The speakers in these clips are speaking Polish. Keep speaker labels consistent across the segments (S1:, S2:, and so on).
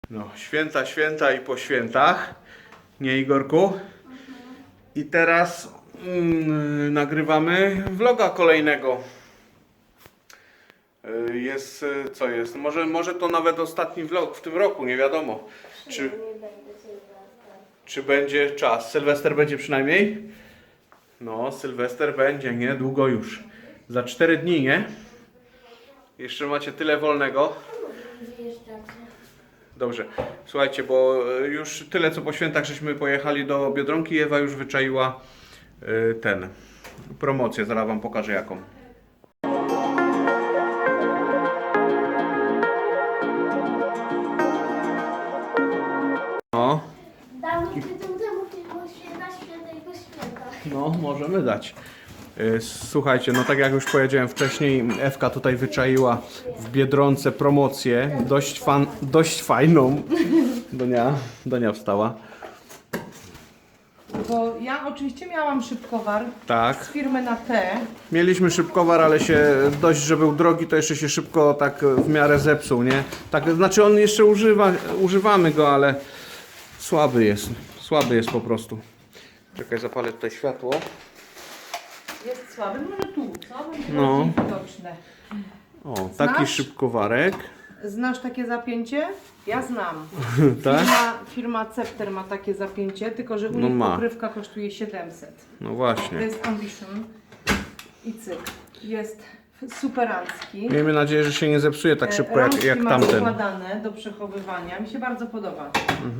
S1: No, święta i po świętach. Nie, Igorku? I teraz nagrywamy vloga kolejnego. Jest, co jest? Może to nawet ostatni vlog w tym roku, nie wiadomo. Czy będzie czas? Sylwester będzie przynajmniej? No, Sylwester będzie, nie? Długo już. Za 4 dni, nie? Jeszcze macie tyle wolnego. Dobrze, słuchajcie, bo już tyle co po świętach żeśmy pojechali do Biedronki i Ewa już wyczaiła promocję, zaraz wam pokażę jaką. No.
S2: Dawniej tytuł temu filmu świętego święta.
S1: No, możemy dać. Słuchajcie, no tak jak już powiedziałem wcześniej, Ewka tutaj wyczaiła w Biedronce promocję, dość fajną. Donia wstała.
S3: Bo ja oczywiście miałam szybkowar
S1: Tak.
S3: z firmy na T.
S1: Mieliśmy szybkowar, ale się dość, że był drogi, to jeszcze się szybko tak w miarę zepsuł, nie? Tak, znaczy on jeszcze używamy go, ale słaby jest po prostu. Czekaj, zapalę tutaj światło.
S3: Jest słaby, może tu, co? Będzie
S1: No.
S3: bardziej widoczne.
S1: O, taki
S3: Znasz?
S1: szybkowarek.
S3: Znasz takie zapięcie? Ja znam.
S1: Tak?
S3: Firma Cepter ma takie zapięcie, tylko że u
S1: No
S3: nich
S1: ma.
S3: pokrywka kosztuje 700.
S1: No
S3: To
S1: właśnie.
S3: jest Ambition i cyk. Jest superancki.
S1: Miejmy nadzieję, że się nie zepsuje tak szybko
S3: Rączki
S1: jak
S3: ma
S1: tamten.
S3: składane do przechowywania. Mi się bardzo podoba.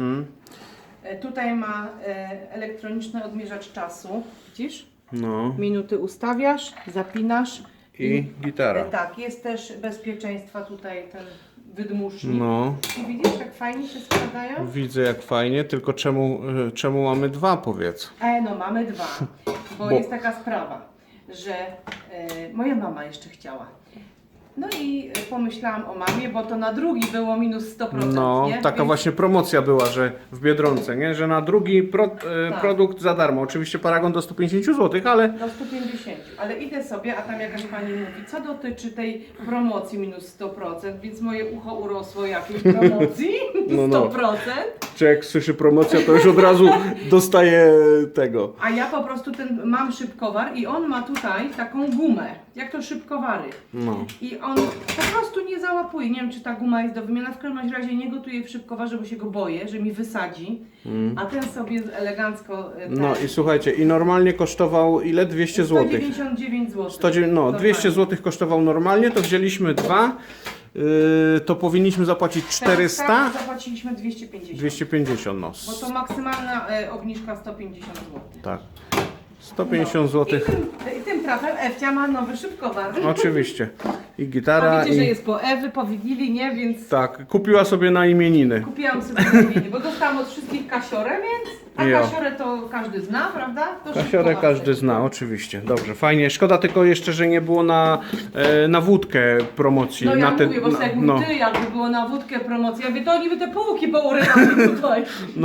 S3: Tutaj ma elektroniczny odmierzacz czasu. Widzisz?
S1: No
S3: Minuty ustawiasz, zapinasz.
S1: i gitara.
S3: Tak, jest też bezpieczeństwa tutaj ten wydmusznik.
S1: No,
S3: I widzisz, jak fajnie się składają?
S1: widzę jak fajnie, tylko czemu mamy dwa, powiedz?
S3: No mamy dwa, bo jest taka sprawa, że moja mama jeszcze chciała. No i pomyślałam o mamie, bo to na drugi było minus 100%,
S1: No,
S3: nie?
S1: taka
S3: Więc
S1: właśnie promocja była, że w Biedronce, nie? Że na drugi
S3: Tak.
S1: produkt za darmo. Oczywiście paragon do 150 zł, ale
S3: do 150, ale idę sobie, a tam jakaś pani mówi, co dotyczy tej promocji minus 100%, więc moje ucho urosło jakiej promocji,
S1: No.
S3: 100%.
S1: czy jak słyszy promocja, to już od razu dostaje tego.
S3: A ja po prostu mam szybkowar i on ma tutaj taką gumę, jak to szybkowary.
S1: No.
S3: I on po prostu nie załapuje. Nie wiem, czy ta guma jest do wymiany. W każdym razie nie gotuję w szybkowarze, bo się go boję, że mi wysadzi. A ten sobie elegancko.
S1: No i słuchajcie, i normalnie kosztował ile? 200 zł.
S3: 199 zł.
S1: 200 zł kosztował normalnie, to wzięliśmy dwa. To powinniśmy zapłacić 400.
S3: Zapłaciliśmy 250.
S1: 250, no.
S3: Bo to maksymalna obniżka 150 zł.
S1: Tak. 150 zł.
S3: I tym trafem Ewcia ma nowy szybkowar.
S1: Oczywiście. I
S3: A
S1: gitara.
S3: wiecie, że jest po Ewy, po Wigilii, nie? Więc
S1: Tak, kupiła sobie na imieniny.
S3: kupiłam sobie imienie, bo dostałam od wszystkich kasiorę, więc... A
S1: Jo.
S3: kasiorę to każdy zna, prawda? To
S1: Kasiorę
S3: szybkowar
S1: każdy
S3: sobie.
S1: zna, oczywiście. Dobrze, fajnie. Szkoda tylko jeszcze, że nie było na wódkę promocji.
S3: No ja
S1: na
S3: mówię, bo jak
S1: no,
S3: ty, jakby było na wódkę promocja, ja mówię, to oni by te półki pourywali tutaj.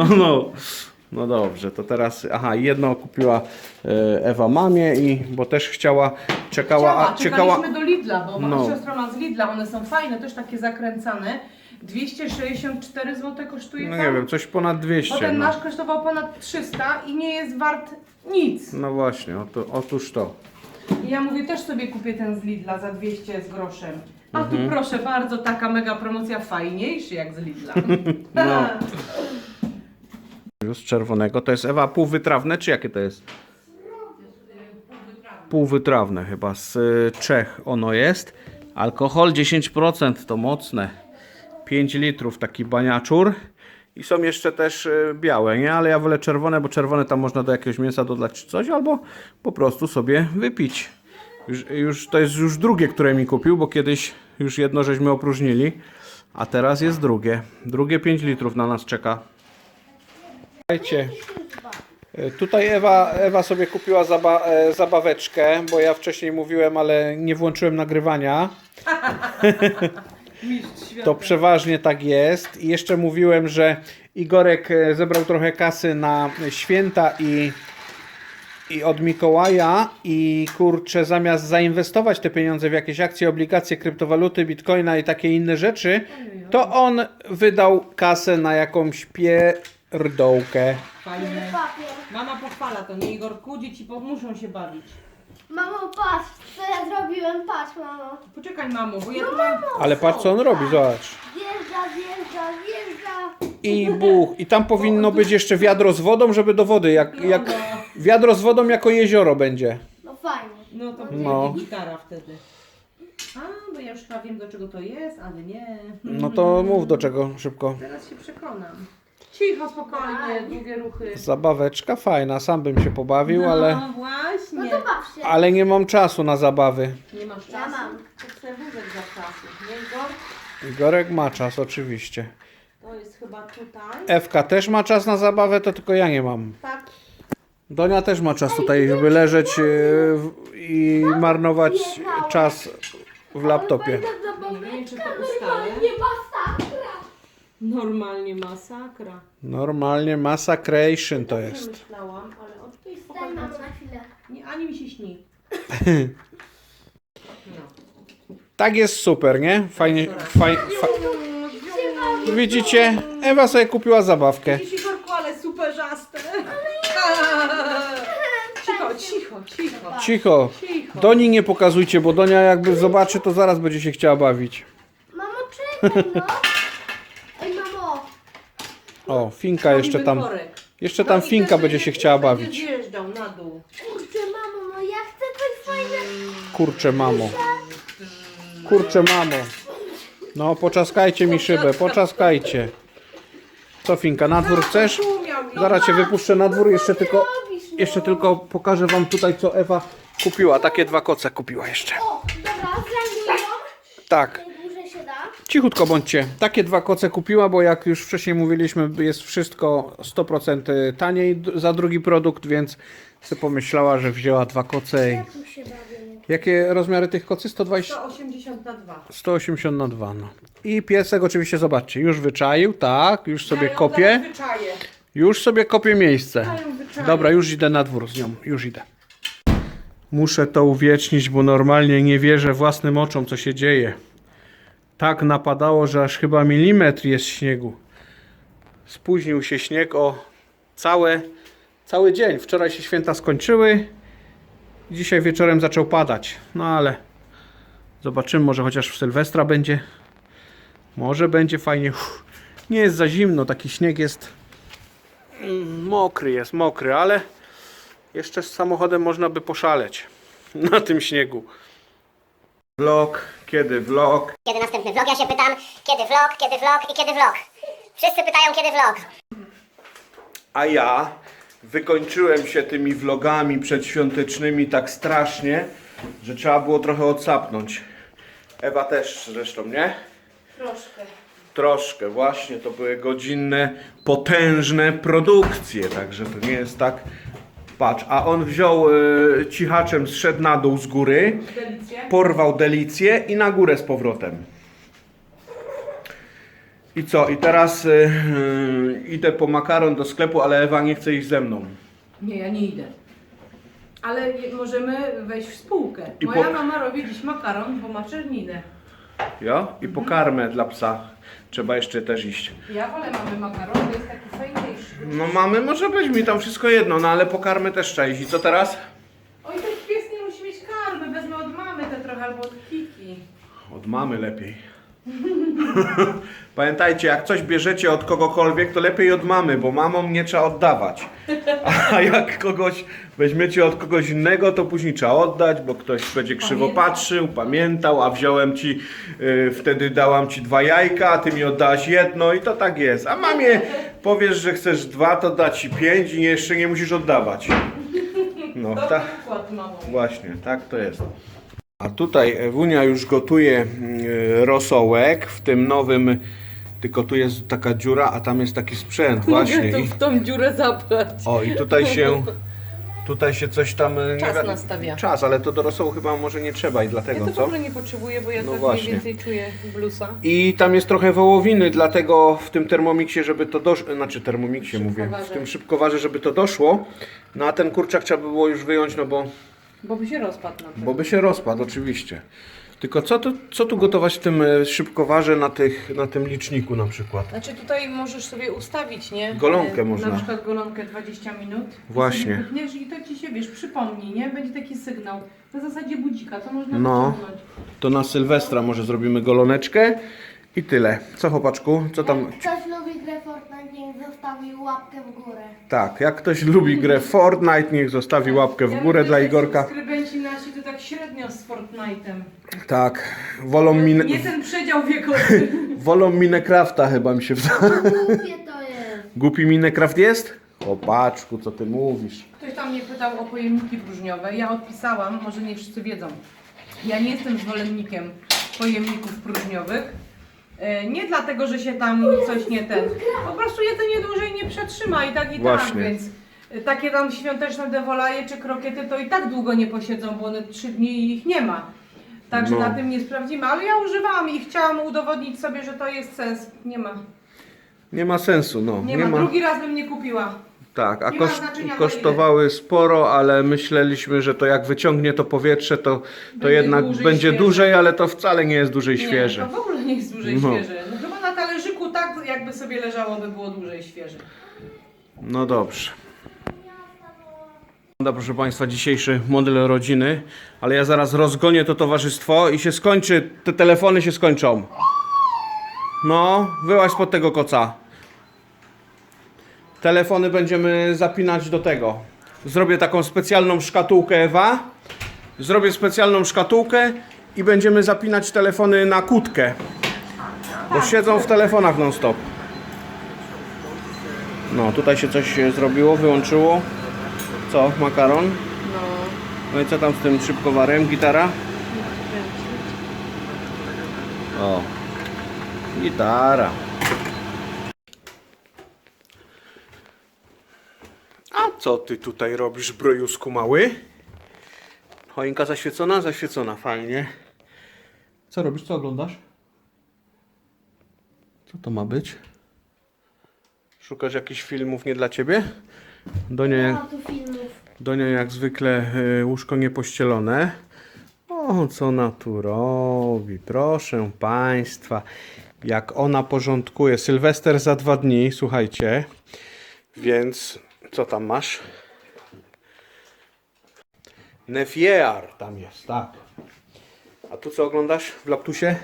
S1: no dobrze, to teraz, jedno kupiła Ewa mamie bo też czekała.
S3: Czekaliśmy do Lidla, bo
S1: No.
S3: siostra ma z Lidla, one są fajne, też takie zakręcane. 264 zł kosztuje
S1: No
S3: tam.
S1: nie wiem, coś ponad 200.
S3: Bo ten
S1: no.
S3: nasz kosztował ponad 300 i nie jest wart nic.
S1: No właśnie, otóż to.
S3: I ja mówię, też sobie kupię ten z Lidla za 200 z groszem. A
S1: Mhm.
S3: tu proszę bardzo, taka mega promocja, fajniejszy jak z Lidla.
S1: No. Z czerwonego. To jest Ewa półwytrawne, czy jakie to jest? Półwytrawne chyba. Z Czech ono jest. Alkohol 10%, to mocne. 5 litrów taki baniaczur. I są jeszcze też białe, nie? Ale ja wolę czerwone, bo czerwone tam można do jakiegoś mięsa dodać czy coś, albo po prostu sobie wypić. To jest już drugie, które mi kupił, bo kiedyś już jedno żeśmy opróżnili, a teraz jest drugie. Drugie 5 litrów na nas czeka. Słuchajcie, tutaj Ewa sobie kupiła zabaweczkę, bo ja wcześniej mówiłem, ale nie włączyłem nagrywania.
S3: Mistrz świata.
S1: To przeważnie tak jest. I jeszcze mówiłem, że Igorek zebrał trochę kasy na święta i od Mikołaja i kurczę, zamiast zainwestować te pieniądze w jakieś akcje, obligacje, kryptowaluty, bitcoina i takie inne rzeczy, to on wydał kasę na jakąś pierdołkę.
S3: Fajnie.
S2: Papier.
S3: Mama pochwala to, nie Igorku? Dzieci muszą się bawić.
S2: Mamo, patrz, co ja zrobiłem, patrz, mamo.
S3: Poczekaj, mamo, bo ja tu mam...
S1: Ale patrz co on robi, zobacz.
S2: Wjeżdża.
S1: I buch. I tam powinno być jeszcze wiadro z wodą, żeby do wody. Jak wiadro z wodą jako jezioro będzie.
S2: No fajnie.
S3: No to
S1: No.
S3: będzie gitara wtedy. A, bo ja już chyba wiem, do czego to jest, ale nie.
S1: No to mów do czego szybko.
S3: Teraz się przekonam. Cicho, spokojnie, długie ruchy.
S1: Zabaweczka fajna, sam bym się pobawił, ale,
S3: No właśnie.
S2: No to baw się.
S1: ale nie mam czasu na zabawy.
S3: Nie masz czasu?
S2: Ja mam.
S3: To chcę wózek za czasu. Nie, Igor?
S1: Igorek ma czas oczywiście.
S3: To jest chyba tutaj.
S1: Ewka też ma czas na zabawę, to tylko ja nie mam.
S3: Tak.
S1: Donia też ma czas tutaj, żeby leżeć i marnować czas w laptopie.
S3: Nie wiem, czy to ustalę.
S2: Nie masakra.
S3: Normalnie masakra.
S1: Normalnie massacration to
S3: Nie
S1: jest.
S3: myślałam, ale od tej
S2: Daj
S3: spokojnie.
S2: mamo na chwilę.
S3: Nie, ani mi się śni. No.
S1: Tak jest super, nie? Fajnie, Widzicie? Ewa sobie kupiła zabawkę.
S3: Widzisz, Igorku, ale superzaste. Cicho, cicho, cicho.
S1: Cicho.
S3: Cicho.
S1: Doni nie pokazujcie, bo Donia jakby zobaczy, to zaraz będzie się chciała bawić.
S2: Mamo, czekaj, no. Ej, mamo.
S1: O, Finka jeszcze tam.
S3: Worek.
S1: Jeszcze tam
S3: No i
S1: Finka
S3: też
S1: będzie się chciała
S3: będzie
S1: bawić.
S3: zjeżdżał na dół.
S2: Kurczę, mamo, no ja chcę coś fajnego.
S1: Kurczę, mamo. Kurczę, mamo. No, poczaskajcie mi szybę, poczaskajcie. Co, Finka, na dwór chcesz?
S3: Tu miał i-
S1: Zaraz cię wypuszczę na dwór, jeszcze tylko pokażę wam tutaj, co Ewa kupiła. Takie 2 koce kupiła jeszcze.
S2: O, dobra, zajmuję ją.
S1: Tak.
S2: Najdłużej się da.
S1: Cichutko bądźcie. Takie 2 koce kupiła, bo jak już wcześniej mówiliśmy, jest wszystko 100% taniej za drugi produkt, więc sobie pomyślała, że wzięła 2 koce. I...
S2: Tu się bawię.
S1: Jakie rozmiary tych kocy? 120,
S3: 180 na 2.
S1: 180 na 2, no. I piesek oczywiście, zobaczcie, już wyczaił, tak, już sobie
S3: Ja ją
S1: kopie.
S3: zaraz wyczaję.
S1: Już sobie kopię miejsce.
S3: Ja ją wyczaję.
S1: Dobra, już idę na dwór z nią, już idę. Muszę to uwiecznić, bo normalnie nie wierzę własnym oczom, co się dzieje. Tak napadało, że aż chyba milimetr jest śniegu. Spóźnił się śnieg o cały dzień. Wczoraj się święta skończyły. Dzisiaj wieczorem zaczął padać. No ale zobaczymy, może chociaż w Sylwestra będzie. Może będzie fajnie. Nie jest za zimno, taki śnieg jest mokry, ale jeszcze z samochodem można by poszaleć na tym śniegu. Vlog, kiedy vlog?
S4: Kiedy następny vlog? Ja się pytam, kiedy vlog i kiedy vlog. Wszyscy pytają, kiedy vlog.
S1: A ja wykończyłem się tymi vlogami przedświątecznymi tak strasznie, że trzeba było trochę odsapnąć. Ewa też zresztą, nie?
S3: Troszkę.
S1: Troszkę, właśnie, to były godzinne, potężne produkcje, także to nie jest tak. Patrz, a on wziął cichaczem, zszedł na dół z góry,
S3: Delicje.
S1: porwał delicję i na górę z powrotem. I co? I teraz idę po makaron do sklepu, ale Ewa nie chce iść ze mną.
S3: Nie, ja nie idę. Ale możemy wejść w spółkę.
S1: I
S3: Moja
S1: po-
S3: mama robi dziś makaron, bo ma czerninę.
S1: Ja? I po karmę dla psa. Trzeba jeszcze też iść.
S3: Ja wolę mamy makaron, to jest taki fajniejszy.
S1: No mamy, może być mi tam wszystko jedno, no ale po karmę też trzeba iść. I co teraz?
S3: Oj, ten pies nie musi mieć karmy, wezmę od mamy te trochę albo od Kiki.
S1: Od mamy lepiej. Pamiętajcie, jak coś bierzecie od kogokolwiek, to lepiej od mamy, bo mamom nie trzeba oddawać. A jak kogoś weźmiecie od kogoś innego, to później trzeba oddać, bo ktoś będzie krzywo patrzył, pamiętał, a wziąłem ci, wtedy dałam ci 2 jajka, a ty mi oddałaś jedno i to tak jest. A mamie powiesz, że chcesz 2, to da ci 5 i jeszcze nie musisz oddawać. No,
S3: Dobry
S1: tak.
S3: układ, mamo.
S1: Właśnie, tak to jest. A tutaj Ewunia już gotuje rosołek w tym nowym, tylko tu jest taka dziura, a tam jest taki sprzęt właśnie.
S3: Mogę tu w tą dziurę zapchać.
S1: O, i tutaj się Tutaj się coś tam...
S3: Czas nastawia.
S1: Czas, ale to do rosołu chyba może nie trzeba i
S3: Ja
S1: dlatego,
S3: to w
S1: co?
S3: ogóle nie potrzebuję, bo ja
S1: No
S3: tak
S1: właśnie.
S3: mniej więcej czuję blusa.
S1: I tam jest trochę wołowiny, dlatego w tym termomiksie, żeby to doszło, znaczy termomiksie mówię, w
S3: Szybkowarze.
S1: tym szybkowarze, żeby to doszło, no a ten kurczak trzeba by było już wyjąć, no
S3: Bo by się rozpadł na pewno.
S1: bo by się rozpadł oczywiście. Tylko co tu gotować w tym szybkowarze na tym liczniku na przykład?
S3: Znaczy tutaj możesz sobie ustawić, nie?
S1: Golonkę można.
S3: Na przykład golonkę 20 minut.
S1: Właśnie.
S3: I sobie wypniesz i to ci się, wiesz, przypomni, nie? Będzie taki sygnał. Na zasadzie budzika, to można
S1: No.
S3: wyciągnąć.
S1: To na Sylwestra może zrobimy goloneczkę i tyle. Co chłopaczku? Co tam?
S2: Jak ktoś lubi grę Fortnite, niech zostawi łapkę w górę.
S1: Tak, jak ktoś lubi grę Fortnite, niech zostawi łapkę w górę dla Igorka.
S3: Subskrybenci nasi to tak średnio z Fortnite'em.
S1: Tak, wolą
S3: Nie ten przedział wiekowy.
S1: wolą Minecrafta chyba mi się wydaje.
S2: Głupie to jest.
S1: Głupi Minecraft jest? Chłopaczku, co ty mówisz?
S3: Ktoś tam mnie pytał o pojemniki próżniowe. Ja odpisałam, może nie wszyscy wiedzą. Ja nie jestem zwolennikiem pojemników próżniowych. Nie dlatego, że się tam coś nie ten. Po prostu jedzenie dłużej nie przetrzyma i tak,
S1: Właśnie.
S3: więc takie tam świąteczne dewolaje czy krokiety to i tak długo nie posiedzą, bo one 3 dni i ich nie ma. Także
S1: No.
S3: na tym nie sprawdzimy, ale ja używałam i chciałam udowodnić sobie, że to jest sens. Nie ma.
S1: Nie ma sensu, no.
S3: Nie ma. Drugi raz bym nie kupiła.
S1: Tak, a
S3: nie ma znaczenia,
S1: kosztowały sporo, ale myśleliśmy, że to jak wyciągnie to powietrze, to
S3: Będzie
S1: jednak
S3: dłużej
S1: będzie
S3: świeże.
S1: dłużej, ale to wcale nie jest dłużej
S3: Nie,
S1: świeże.
S3: to w ogóle nie jest dłużej
S1: No.
S3: świeże. No chyba na talerzyku tak jakby sobie leżało, by było dłużej świeże.
S1: No dobrze. Dobra, proszę Państwa, dzisiejszy model rodziny, ale ja zaraz rozgonię to towarzystwo i się skończy, te telefony się skończą. No, wyłaź spod tego koca. Telefony będziemy zapinać do tego. Zrobię taką specjalną szkatułkę, Ewa. Zrobię specjalną szkatułkę i będziemy zapinać telefony na kłódkę. Bo siedzą w telefonach non stop. No, tutaj się coś zrobiło, wyłączyło. Co, makaron?
S3: No.
S1: No i co tam z tym szybkowarem? Gitara? O, gitara. A co ty tutaj robisz, brojusku mały? Choinka zaświecona? Zaświecona, fajnie. Co robisz? Co oglądasz? Co to ma być? Szukasz jakichś filmów nie dla ciebie?
S2: Nie ma tu filmów.
S1: Donia jak zwykle łóżko niepościelone. O, co ona tu robi? Proszę Państwa, jak ona porządkuje. Sylwester za 2 dni, słuchajcie. Więc co tam masz? Nefier tam jest, tak. A tu co oglądasz w laptusie?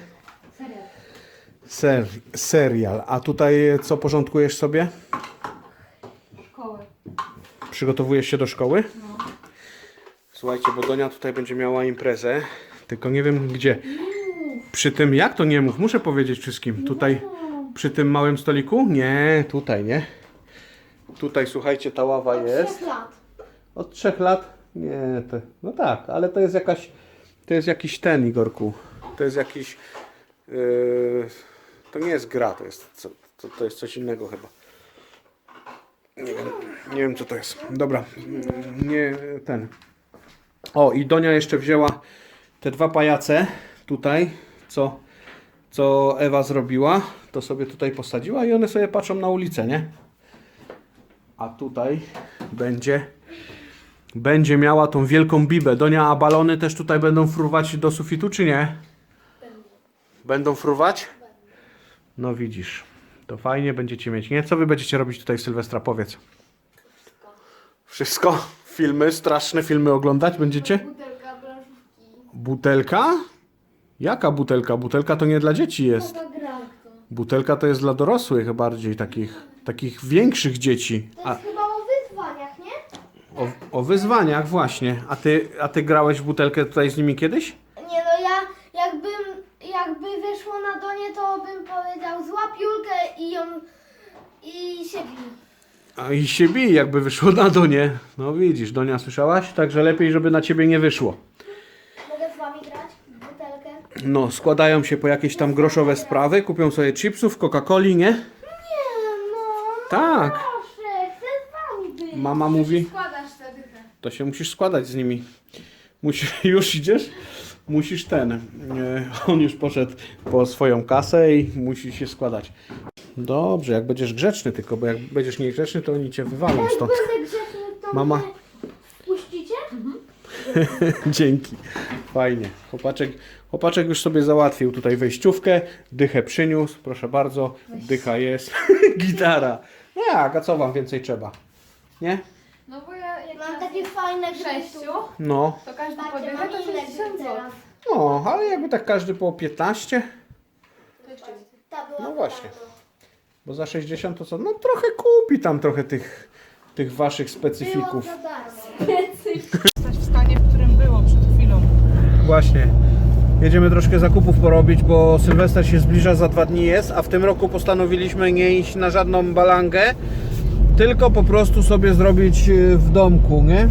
S1: Serial. A tutaj co porządkujesz sobie?
S2: Szkoły.
S1: Przygotowujesz się do szkoły? No. Słuchajcie, bo Donia tutaj będzie miała imprezę, tylko nie wiem gdzie. Przy tym, jak to nie mów? Muszę powiedzieć wszystkim. Tutaj, przy tym małym stoliku? Nie, tutaj, nie. Tutaj, słuchajcie, ta ława jest.
S2: 3 lat.
S1: Od 3 lat? Nie, no tak, ale to jest jakaś, to jest jakiś ten, Igorku. To jest jakiś, to nie jest gra, to jest coś innego chyba. Nie wiem co to jest. Dobra, nie ten. O, i Donia jeszcze wzięła te 2 pajace tutaj, co Ewa zrobiła. To sobie tutaj posadziła i one sobie patrzą na ulicę, nie? A tutaj będzie miała tą wielką bibę. Donia, a balony też tutaj będą fruwać do sufitu, czy nie? Będą fruwać? No widzisz. To fajnie będziecie mieć, nie? Co wy będziecie robić tutaj w Sylwestra? Powiedz. Wszystko? Filmy, straszne filmy oglądać będziecie?
S2: Butelka branżówki.
S1: Butelka? Jaka butelka? Butelka to nie dla dzieci jest.
S2: Taka gra to.
S1: Butelka to jest dla dorosłych bardziej, takich większych dzieci.
S2: To jest chyba o wyzwaniach, nie?
S1: O wyzwaniach właśnie. A ty grałeś w butelkę tutaj z nimi kiedyś?
S2: Nie no, ja jakby wyszło na Donię, to bym powiedział złap Julkę i się bij.
S1: A i się bij, jakby wyszło na Donię. No widzisz, Donia, słyszałaś? Także lepiej, żeby na ciebie nie wyszło.
S2: Mogę z wami grać w butelkę?
S1: No, składają się po jakieś tam groszowe sprawy, kupią sobie chipsów, Coca-Coli, nie?
S2: Nie no,
S1: Tak.
S2: proszę, chcę z wami być.
S1: Mama mówi.
S2: Składasz tę dychę.
S1: To się musisz składać z nimi. Już idziesz? Musisz on już poszedł po swoją kasę i musi się składać. Dobrze, jak będziesz grzeczny tylko, bo jak będziesz niegrzeczny, to oni cię wywalą
S2: Jak
S1: stąd.
S2: będę grzeczny, to
S1: Mama.
S2: mnie wpuścicie?
S1: Dzięki. Fajnie. Chłopaczek już sobie załatwił tutaj wejściówkę. Dychę przyniósł. Proszę bardzo. Dycha jest. Gitara. No jak, a co wam więcej trzeba? Nie?
S5: No bo ja jak
S2: Mam
S5: na
S2: takie fajne
S5: sześciu,
S2: grzechy.
S1: No.
S5: to każdy
S2: Patrzcie,
S5: podjechał,
S2: mam
S5: to
S2: inne
S5: 60
S2: gry
S5: zł.
S2: teraz.
S1: No, ale jakby tak każdy po 15,
S5: To jeszcze
S2: Ta była
S1: No właśnie.
S2: bardzo.
S1: bo za 60 to co? No trochę kupi tam trochę tych waszych
S2: Było
S1: specyfików.
S2: za darmo.
S3: Stać w stanie, w którym było przed chwilą.
S1: Właśnie. Jedziemy troszkę zakupów porobić, bo Sylwester się zbliża, za 2 dni jest, a w tym roku postanowiliśmy nie iść na żadną balangę, tylko po prostu sobie zrobić w domku, nie?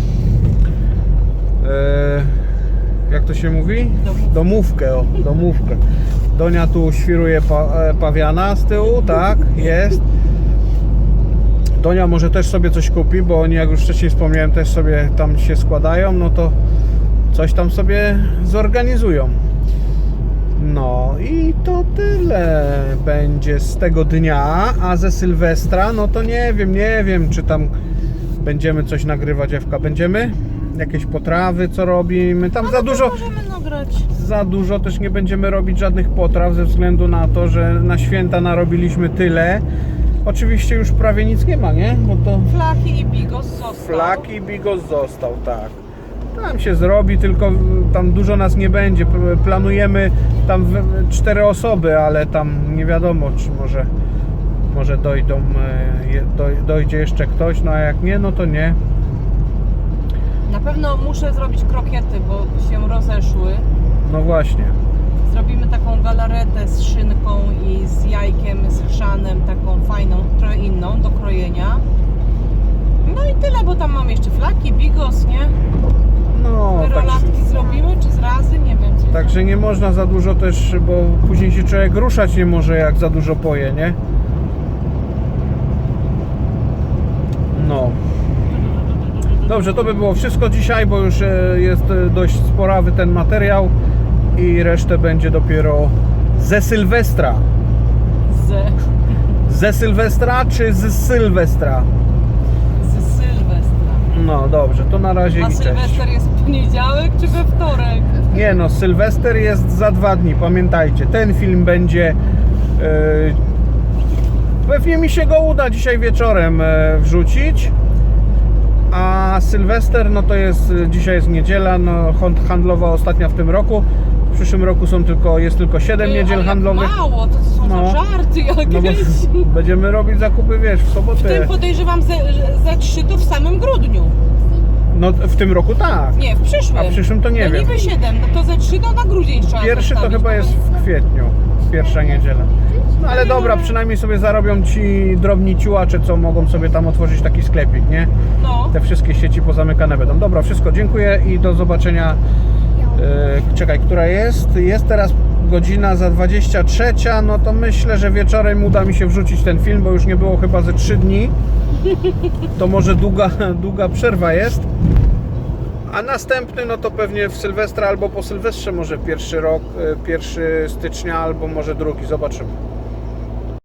S1: Jak to się mówi? Domówkę, o, domówkę. Donia tu świruje pawiana z tyłu, tak, jest. Donia może też sobie coś kupi, bo oni, jak już wcześniej wspomniałem, też sobie tam się składają, no to coś tam sobie zorganizują. No i to tyle będzie z tego dnia, a ze Sylwestra, no to nie wiem, czy tam będziemy coś nagrywać, Ewka, będziemy? Jakieś potrawy, co robimy? Tam za dużo,
S3: Możemy nagrać.
S1: za dużo też nie będziemy robić żadnych potraw, ze względu na to, że na święta narobiliśmy tyle. Oczywiście już prawie nic nie ma, nie? Bo to
S3: Flaki i bigos został.
S1: flaki bigos został, tak. Tam się zrobi, tylko tam dużo nas nie będzie. Planujemy tam 4 osoby, ale tam nie wiadomo, czy może dojdzie jeszcze ktoś, no a jak nie, no to nie.
S3: Na pewno muszę zrobić krokiety, bo się rozeszły.
S1: No właśnie.
S3: Zrobimy taką galaretę z szynką i z jajkiem, z chrzanem, taką fajną, trochę inną do krojenia. No i tyle, bo tam mam jeszcze flaki, bigos, nie?
S1: No,
S3: Rolatki zrobimy, czy z razy? Nie wiem. Co
S1: także nie można za dużo też, bo później się człowiek ruszać nie może, jak za dużo poje, nie? No. Dobrze, to by było wszystko dzisiaj, bo już jest dość sporawy ten materiał i resztę będzie dopiero ze Sylwestra. Ze Sylwestra czy z Sylwestra?
S3: z Sylwestra.
S1: No dobrze, to na razie
S3: A
S1: i cześć.
S3: Sylwester jest w poniedziałek czy we wtorek?
S1: Nie no, Sylwester jest za 2 dni, pamiętajcie. Ten film będzie... pewnie mi się go uda dzisiaj wieczorem wrzucić. A Sylwester, no to jest... Dzisiaj jest niedziela, no handlowa ostatnia w tym roku. W przyszłym roku jest tylko 7 niedziel
S3: ale
S1: handlowych.
S3: Jak mało, to są
S1: No.
S3: za żarty
S1: No bo
S3: jakieś.
S1: będziemy robić zakupy, wiesz, w
S3: W
S1: sobotę.
S3: tym podejrzewam ze 3 to w samym grudniu.
S1: No w tym roku tak.
S3: Nie, w przyszłym.
S1: A w przyszłym to nie
S3: no
S1: wiem.
S3: niby 7, no to ze 3 to na grudzień trzeba
S1: Pierwszy to
S3: zostawić,
S1: chyba
S3: no
S1: jest w kwietniu, pierwsza niedziela. No ale dobra, przynajmniej sobie zarobią ci drobni ciułacze, co mogą sobie tam otworzyć taki sklepik, nie?
S3: No.
S1: Te wszystkie sieci pozamykane będą. Dobra, wszystko, dziękuję i do zobaczenia. Czekaj, która jest? Jest teraz godzina za 23, no to myślę, że wieczorem uda mi się wrzucić ten film, bo już nie było chyba ze 3 dni. To może długa przerwa jest. A następny, no to pewnie w Sylwestra albo po Sylwestrze, może 1 stycznia, albo może 2, zobaczymy.